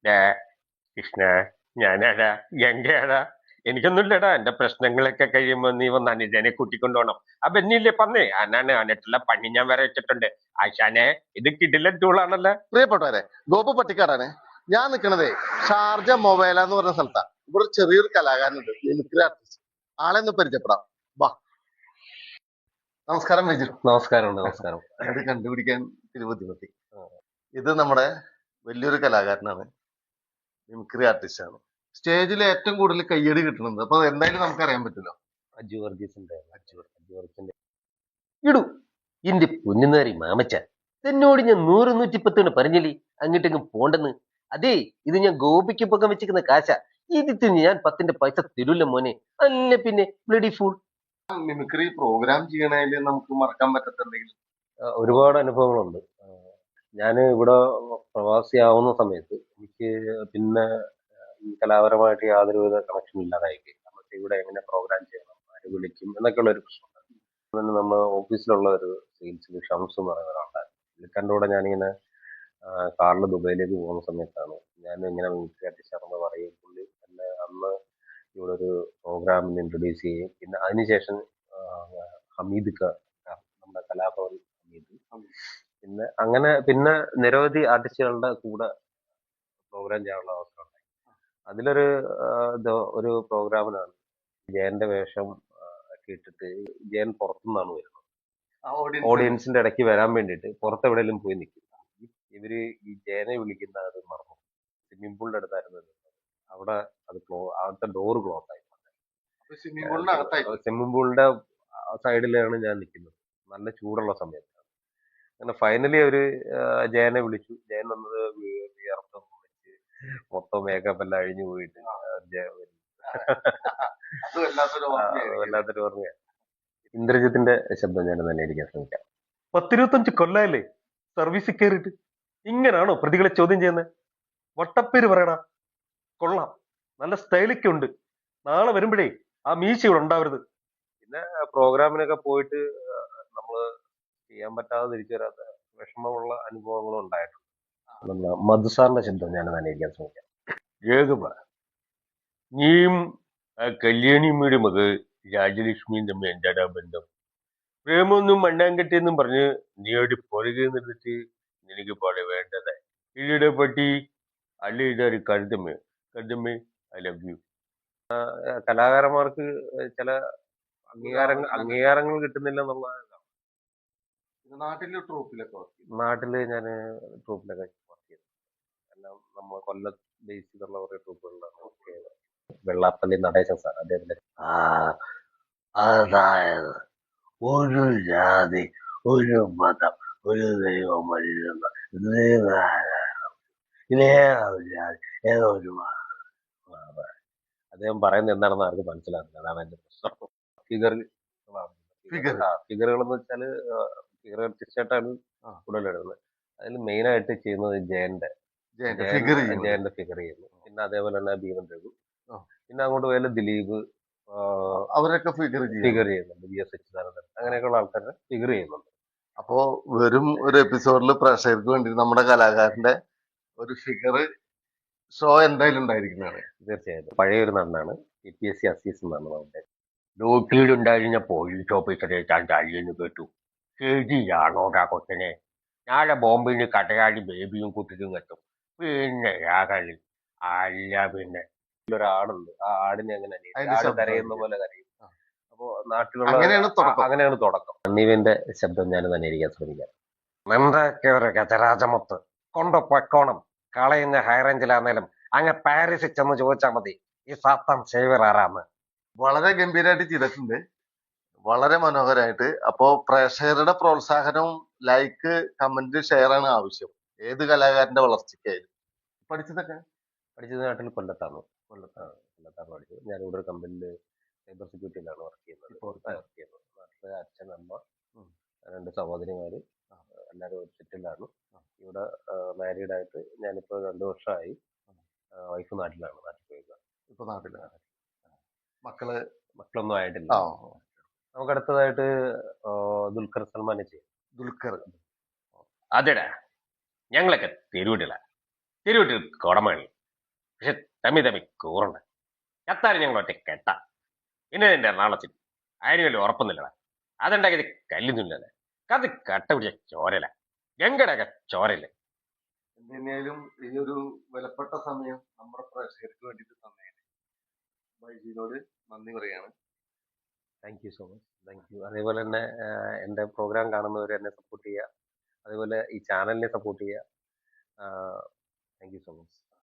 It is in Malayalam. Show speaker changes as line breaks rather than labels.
ഡാ കൃഷ്ണ, ഞാനാടാ, ഗംഗയാടാ. എനിക്കൊന്നുമില്ലടാ. എന്റെ പ്രശ്നങ്ങളൊക്കെ കഴിയുമ്പോ നീ വന്ന് അനുജനെ കൂട്ടിക്കൊണ്ടുപോകണം. ആ ബെന്നില്ലേ പന്നേ, ആനാണ് ആനട്ടുള്ള പണി ഞാൻ വരെ വെച്ചിട്ടുണ്ട്. ആശാനെ, ഇത് കിടിലൻ ടൂളാണല്ലോ.
പ്രിയപ്പെട്ടവരെ, ഗോപു പട്ടിക്കാടാണ്. ഞാൻ നിൽക്കണതേ ഷാർജ മൊബൈല എന്ന് പറഞ്ഞ സ്ഥലത്താണ്. ഇവിടെ ഒരു ചെറിയൊരു കലാകാരനുണ്ട്, മിമിക്രി ആർട്ടിസ്റ്റ്. ആളെ ഒന്ന് പരിചയപ്പെടാം. വാ. നമസ്കാരം വിജു.
നമസ്കാരം. നമസ്കാരം.
അത് കണ്ടുപിടിക്കാൻ ഇത്തിരി ബുദ്ധിമുട്ടി. ഇത് നമ്മുടെ വലിയൊരു കലാകാരനാണ്, മിമിക്രി ആർട്ടിസ്റ്റ് ആണ്. സ്റ്റേജിൽ ഏറ്റവും കൂടുതൽ കയ്യടി കിട്ടുന്നത് അപ്പൊ എന്തായാലും നമുക്ക് അറിയാൻ പറ്റില്ല.
അജു വർഗീസിന്റെ ഇടൂ ഇന്റെ പൊന്നുനാരി മാമച്ച, എന്നോട് ഞാൻ 100-110 പറഞ്ഞില്ലേ അങ്ങോട്ടെങ്ങും പോണ്ടെന്ന്. അതേ, ഇത് ഞാൻ ഗോപിക്ക് പൊക്കം വെച്ചിരിക്കുന്ന കാശ. ഇതിന് ഞാൻ 10 പൈസ തരൂല്ല മോനെ. അല്ല പിന്നെ ബ്ലഡി ഫൂൾ.
മിമിക്രി പ്രോഗ്രാം ചെയ്യണതിൽ നമുക്ക് മറക്കാൻ പറ്റത്തുണ്ടെങ്കിൽ
ഒരുപാട് അനുഭവങ്ങളുണ്ട്. ഞാൻ ഇവിടെ പ്രവാസിയാവുന്ന സമയത്ത് എനിക്ക് പിന്നെ ഈ കലാപരമായിട്ട് യാതൊരുവിധ കണക്ഷൻ ഇല്ലാതായി. നമുക്ക് ഇവിടെ എങ്ങനെ പ്രോഗ്രാം ചെയ്യണം, ആര് വിളിക്കും എന്നൊക്കെയുള്ള ഒരു പ്രശ്നം. പിന്നെ നമ്മുടെ ഓഫീസിലുള്ള ഒരു സെയിൽസിൽ ഷംസ് എന്ന് പറയുന്ന ഒരാളുണ്ടായിരുന്നു. പുള്ളിക്കാരൻ്റെ കൂടെ ഞാനിങ്ങനെ കാറിൽ ദുബൈയിലേക്ക് പോകുന്ന സമയത്താണ് ഞാൻ ഇങ്ങനെ മിമിക്രി ആർട്ടിസ്റ്റാണെന്ന് പറയും. പുള്ളി എന്നെ അന്ന് ഇവിടെ ഒരു പ്രോഗ്രാമിന് ഇൻട്രൊഡ്യൂസ് ചെയ്യും. പിന്നെ അതിനുശേഷം ഹമീദ് നമ്മുടെ കലാഭവൻ ഹമീദ്, പിന്നെ അങ്ങനെ പിന്നെ നിരവധി ആർട്ടിസ്റ്റുകളുടെ കൂടെ പ്രോഗ്രാം ചെയ്യാനുള്ള അവസരം ഉണ്ടായി. അതിലൊരു ഒരു പ്രോഗ്രാമിനാണ് ജയന്റെ വേഷം ഒക്കെ ഇട്ടിട്ട് ജയൻ പുറത്തുനിന്നാണ് വരുന്നത്. ഓഡിയൻസിന്റെ ഇടയ്ക്ക് വരാൻ വേണ്ടിയിട്ട് പുറത്തെവിടെയെങ്കിലും പോയി നിൽക്കും. ഇവര് ഈ ജയനെ വിളിക്കുന്ന അത് മറന്നു. സ്വിമ്മിംഗ് പൂളിന്റെ അടുത്തായിരുന്നു നിന്നത്. അവിടെ അത് അവിടുത്തെ ഡോറ് ക്ലോസ് ആയി. സ്വിമ്മിംഗ് പൂളിന്റെ സൈഡിലാണ് ഞാൻ നിൽക്കുന്നത്. നല്ല ചൂടുള്ള സമയത്താണ്. അങ്ങനെ ഫൈനലി അവര് ജയനെ വിളിച്ചു. ജയൻ വന്നത് വിയർത്ത് വിളിച്ച് മൊത്തം മേക്കപ്പ് എല്ലാം അഴിഞ്ഞു പോയിട്ട് വല്ലാത്തൊരു ഓർമ്മയാണ്. ഇന്ദ്രജിത്തിന്റെ ശബ്ദം ഞാൻ തന്നെ അടിക്കാൻ ശ്രമിക്കാം. 10-25 കൊല്ലായില്ലേ സർവീസിൽ കയറിയിട്ട് ഇങ്ങനാണോ പ്രതികളെ ചോദ്യം ചെയ്യുന്നത്? വട്ടപ്പേര് പറയടാ. കൊള്ളാം, നല്ല സ്റ്റൈലൊക്കെ ഉണ്ട്. നാളെ വരുമ്പോഴേ ആ മീശ ഇവിടെ ഉണ്ടാവരുത്. പിന്നെ പ്രോഗ്രാമിനൊക്കെ പോയിട്ട് നമ്മള് ചെയ്യാൻ പറ്റാതെ തിരിച്ചു വരാത്ത വിഷമമുള്ള അനുഭവങ്ങളും ഉണ്ടായിട്ടുണ്ട്. മധുസാറിന്റെ ശബ്ദം ഞാൻ തന്നെ അടിക്കാൻ ശ്രമിക്കാം. രേഖമ, നീയും ആ കല്യാണിയമ്മയുടെ മകൾ രാജലക്ഷ്മിയും തമ്മിൽ എന്താടാ ബന്ധം? പ്രേമൊന്നും മണ്ണാങ്കട്ടെന്നും പറഞ്ഞ് നീ അവിടെ പുറകെ നിന്നിട്ട് നിനക്ക് പോലെ വേണ്ടത് ഇല്ലയുടെ പട്ടി. അല്ല, ഇതൊരു കരുതമ്മേ ഐ ലവ് യു. കലാകാരന്മാർക്ക് ചില അംഗീകാരങ്ങൾ കിട്ടുന്നില്ല എന്നുള്ള. നാട്ടില് ഞാൻ ട്രൂപ്പിലൊക്കെ വർക്ക് ചെയ്തു. എല്ലാം നമ്മൾ കൊല്ലം ബേസ് ചെയ്തുള്ള കുറെ ട്രൂപ്പുകളിലാണ് വർക്ക് ചെയ്തത്. വെള്ളാപ്പള്ളി നടേശൻ സാർ, അദ്ദേഹത്തിന്റെ
അതായത് ഒരു ജാതി, ഒരു മതം, ഒരു ദൈവം മനുഷ്യൻ, ഇതേതൊരു ജാതി, ഏതോ ഒരു
അദ്ദേഹം പറയുന്നത് എന്താണെന്ന് ആർക്ക് മനസ്സിലാകുന്നില്ല. അതാണ് എന്റെ പ്രശ്നം. ഫിഗറുകൾ എന്ന് വെച്ചാല് ഫിഗർ ആർട്ടിസ്റ്റായിട്ടാണ് കൂടുതൽ ഇടുന്നത്. അതിൽ മെയിൻ ആയിട്ട് ചെയ്യുന്നത് ജയന്റെ ഫിഗർ ചെയ്യുന്നു. പിന്നെ അതേപോലെ തന്നെ ഭീമൻ രഘു, പിന്നെ അങ്ങോട്ട് പോയാലും ദിലീപ്,
അവരൊക്കെ ഫിഗർ
ചെയ്യുന്നുണ്ട്. വി എസ് സച്ചിദാനന്ദൻ, അങ്ങനെയൊക്കെയുള്ള ആൾക്കാരെ ഫിഗർ ചെയ്യുന്നുണ്ട്.
അപ്പോ വെറും ഒരു എപ്പിസോഡിൽ പ്രേക്ഷകർക്ക് വേണ്ടി നമ്മുടെ കലാകാരന്റെ ഒരു ഫിഗർ ഷോ എന്തായാലും ഉണ്ടായിരിക്കുന്നതാണ്.
തീർച്ചയായിട്ടും പഴയ ഒരു നടനാണ് PPSC അസീസ് എന്നാണ് നമ്മുടെ. ലോക്കിലുണ്ടായിരുന്ന പോലീസ് ഓഫീസറെ താൻ തല്ലിയെന്ന് കേട്ടു. ശരിയാണോടാ കൊച്ചനെ? നാളെ ബോംബെന്ന് കടയാടി ബേബിയും കുട്ടിയും എത്തും. പിന്നെ കളി അല്ല. പിന്നെ ഒരാടുണ്ട്, ആ ആടിനെ അങ്ങനെ ആട് കരയുന്ന പോലെ കരയും. അപ്പോ നാട്ടിലുള്ള അങ്ങനെയാണ് തുടക്കം. സണ്ണീവിന്റെ ശബ്ദം ഞാൻ തന്നെ ഇരിക്കാൻ ശ്രമിക്കാം. എന്തൊക്കെ ഒരു ഗജരാജമൊത്ത് കൊണ്ട് പൊക്കോണം. കളയുന്ന ഹൈറേഞ്ചിലാന്നേലും അങ്ങ് പാരീസിൽ ചെന്ന് ചോദിച്ചാൽ മതി ഈ സാത്താൻ സേവർ ആരാന്ന്.
വളരെ ഗംഭീരമായിട്ട് ചെയ്തിട്ടുണ്ട്, വളരെ മനോഹരമായിട്ട്. അപ്പോ പ്രേക്ഷകരുടെ പ്രോത്സാഹനവും ലൈക്ക്, കമന്റ്, ഷെയർ ആണ് ആവശ്യം ഏത് കലാകാരന്റെ വളർച്ചയ്ക്കായാലും.
പഠിച്ചത് നാട്ടിൽ കൊല്ലത്താണ് പഠിച്ചത്. ഞാൻ ഇവിടെ ഒരു കമ്പനിയിൽ സൈബർ സെക്യൂരിറ്റിയിലാണ് വർക്ക് ചെയ്യുന്നത്. നാട്ടിലെ അച്ഛൻ, അമ്മ, 2 സഹോദരിമാര്, എല്ലാവരും ഒരു സെറ്റിലാണ്. ഇവിടെ മാരീഡ് ആയിട്ട് ഞാനിപ്പോ 2 വർഷമായി. വൈഫ് നാട്ടിലാണ്. ഇപ്പൊ നാട്ടിലാണ്. മക്കളൊന്നും ആയിട്ടില്ല. നമുക്ക് അടുത്തതായിട്ട് ദുൽഖർ സൽമാനെ ചെയ്യാം. അതെടാ, ഞങ്ങളൊക്കെ തിരുവട്ടിൽ കോടമണി. പക്ഷെ തമ്മി തമ്മി കൂറുണ്ട്. ചത്താലും ഞങ്ങൾ ഒറ്റ കെട്ട. പിന്നെ നിന്റെ എറണാകുളത്തിൽ അതിന് വലിയ ഉറപ്പൊന്നുമില്ലടാ. അതുണ്ടാക്കിയത് കല്ലുന്നില്ലല്ലേ. അത് കട്ട പിടിച്ച ചോരല. ഗംഗയുടെയൊക്കെ ചോരല്ലേ.
എന്തുതന്നെയായാലും ഈ ഒരു വിലപ്പെട്ട സമയം നമ്മുടെ പ്രേക്ഷകർക്ക് വേണ്ടിയിട്ട് തന്നതിന് ബൈജിനോട് നന്ദി പറയാണ്.
Thank you so much. Thank you. അതേപോലെ തന്നെ എൻ്റെ പ്രോഗ്രാം കാണുന്നവർ എന്നെ സപ്പോർട്ട് ചെയ്യുക. അതേപോലെ ഈ ചാനലിനെ സപ്പോർട്ട് ചെയ്യുക. Thank you so much.